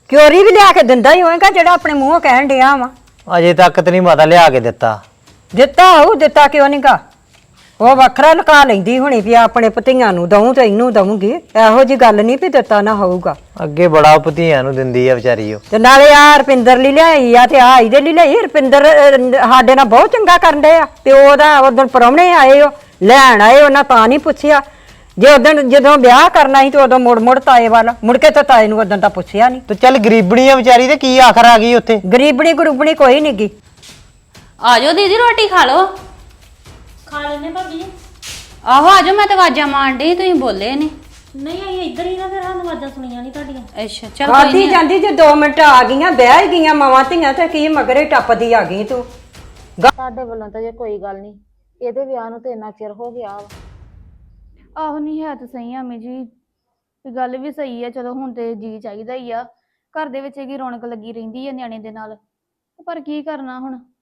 ਕਿਉਰੀ ਵੀ ਲਿਆ ਕੇ ਦਿੰਦਾ ਹੀ ਹੋਏਗਾ ਜਿਹੜਾ ਆਪਣੇ ਮੂੰਹੋਂ ਕਹਿਣ ਡਿਆ ਵਾ। ਅਜੇ ਤੱਕ ਤੇ ਨਹੀਂ ਮਾਤਾ ਲਿਆ ਕੇ ਦਿੱਤਾ। ਦਿੱਤਾ ਹੋਊ, ਦਿੱਤਾ ਕਿਉਂ ਨਹੀਂਗਾ? ਉਹ ਵੱਖਰਾ ਲੁਕਾ ਲੈਂਦੀ ਹੋਣੀ ਵੀ ਆਪਣੇ ਭਤੀਆਂ ਨੂੰ ਦਊਂ ਤੇ ਇਹਨੂੰ ਦਊਂਗੀ। ਇਹੋ ਜੀ ਗੱਲ ਨਹੀਂ ਵੀ ਦਿੱਤਾ ਨਾ ਹੋਊਗਾ। ਅੱਗੇ ਬੜਾ ਭਤੀਆਂ ਨੂੰ ਦਿੰਦੀ ਆ ਵਿਚਾਰੀ ਉਹ। ਤੇ ਨਾਲੇ ਆ ਰਪਿੰਦਰ ਲਈ ਲਿਆਈ ਆ ਤੇ ਆ ਇਹਦੇ ਲਈ ਲਿਆਈ। ਰਪਿੰਦਰ ਸਾਡੇ ਨਾਲ ਬਹੁਤ ਚੰਗਾ ਕਰਨ ਡਏ ਆ। ਪਿਓ ਦਾ ਉਦੋਂ ਪ੍ਰਾਹੁਣੇ ਆਏ ਉਹ ਲੈਣ ਆਏ, ਉਹਨਾਂ ਤਾਂ ਨਹੀਂ ਪੁੱਛਿਆ। ਜੇ ਉਦੋਂ ਜਦੋਂ ਵਿਆਹ ਕਰਨਾ ਸੀ ਤੇ ਉਦੋਂ ਮੁੜ ਤਾਏ ਵੱਲ ਮੁੜ ਕੇ ਤਾਂ ਤਾਏ ਨੂੰ ਉਦੋਂ ਤਾਂ ਪੁੱਛਿਆ ਨਹੀਂ। ਤੇ ਚੱਲ ਗਰੀਬਣੀ ਆ ਵਿਚਾਰੀ ਤੇ ਕੀ ਆਖਰ ਆ ਗਈ ਉੱਥੇ। ਗਰੀਬਣੀ ਗਰੂਬਣੀ ਕੋਈ ਨਹੀਂ ਗੀ। ਆ ਜਾਓ ਦੀਦੀ ਰੋਟੀ ਖਾ ਲਓ। ਖਾ ਲੈਨੇ ਭਾਬੀ। ਆਹੋ ਆ ਜਾਓ, ਮੈਂ ਤਾਂ ਆਵਾਜ਼ਾਂ ਮਾਰਨ ਡਈ, ਤੁਸੀਂ ਬੋਲੇ ਨਹੀਂ। ਨਹੀਂ ਆਈ ਇੱਧਰ ਹੀ ਨਾ, ਫਿਰ ਸਾਨੂੰ ਆਵਾਜ਼ਾਂ ਸੁਣੀਆਂ ਨਹੀਂ ਤੁਹਾਡੀਆਂ। ਅੱਛਾ ਚੱਲ ਖਾਦੀ ਜਾਂਦੀ ਜੇ 2 ਮਿੰਟ ਆ ਗਈਆਂ ਬਹਿ ਗਈਆਂ ਮਾਵਾਂ ਧੀਆਂ ਤੇ ਕੀ ਮਗਰੇ ਟੱਪਦੀ ਆ ਗਈ ਤੂੰ। ਸਾਡੇ ਵੱਲੋਂ ਤਾਂ ਜੇ ਕੋਈ ਗੱਲ ਨਹੀਂ, ਇਹਦੇ ਵਿਆਹ ਨੂੰ ਤੇ ਇੰਨਾ ਚਿਰ ਹੋ ਗਿਆ ਵਾ। ਆਹੋ ਨਹੀਂ ਹੈ ਤਾਂ ਸਹੀ ਆ ਅਮੀ ਜੀ, ਤੇ ਗੱਲ ਵੀ ਸਹੀ ਆ। ਚਲੋ ਹੁਣ ਤੇ ਜੀ ਚਾਹੀਦਾ ਹੀ ਆ, ਘਰ ਦੇ ਵਿੱਚ ਇਹਦੀ ਰੌਣਕ ਲੱਗੀ ਰਹਿੰਦੀ ਆ ਨਿਆਣੇ ਦੇ ਨਾਲ, ਪਰ ਕੀ ਕਰਨਾ ਹੁਣ।